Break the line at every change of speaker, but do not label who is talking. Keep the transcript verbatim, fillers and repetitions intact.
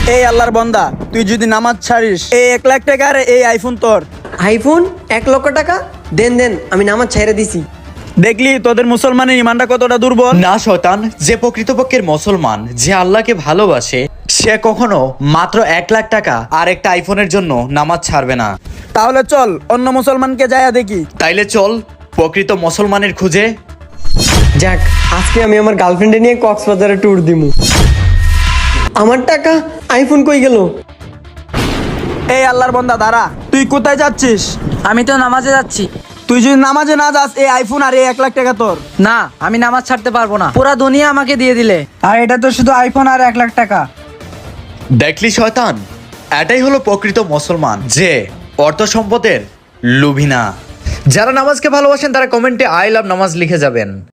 এই আল্লাহর বান্দা, তুই যদি নামাজ ছাড়িস, এই এক লাখ টাকার এই আইফোন তোর।
আইফোন এক লক্ষ টাকা? দেন দেন, আমি নামাজ ছেড়ে দিছি।
দেখলি তোদের মুসলমানের ইমানটা কতটা দুর্বল।
না শয়তান, যে প্রকৃতপক্ষের মুসলমান, যে আল্লাহকে ভালোবাসে, সে কখনো মাত্র এক লাখ টাকা আর একটা আইফোনের জন্য নামাজ ছাড়বে না।
তাহলে চল অন্য মুসলমানকে যায়া দেখি।
তাইলে চল প্রকৃত মুসলমানের খুঁজে।
যাক, আজকে আমি আমার গার্লফ্রেন্ডে নিয়ে কক্সবাজারে ট্যুর দিমু। আমার টাকা আইফোন কই গেল?
এই আল্লাহর বান্দা দাঁড়া, তুই কোথায় যাচ্ছিস?
আমি তো নামাজে যাচ্ছি।
তুই যদি নামাজে না যাস, এই আইফোন আর এই এক লাখ টাকা তোর।
না, আমি নামাজ ছাড়তে পারবো না। পুরা দুনিয়া আমাকে দিয়ে দিলে।
আর এটা তো শুধু আইফোন আর এক লাখ টাকা।
দেখলি শয়তান, এটাই হলো প্রকৃত মুসলমান, যে অর্থ সম্পদের লোভী না। যারা নামাজকে ভালোবাসেন তারা কমেন্টে আই লাভ নামাজ লিখে যাবেন।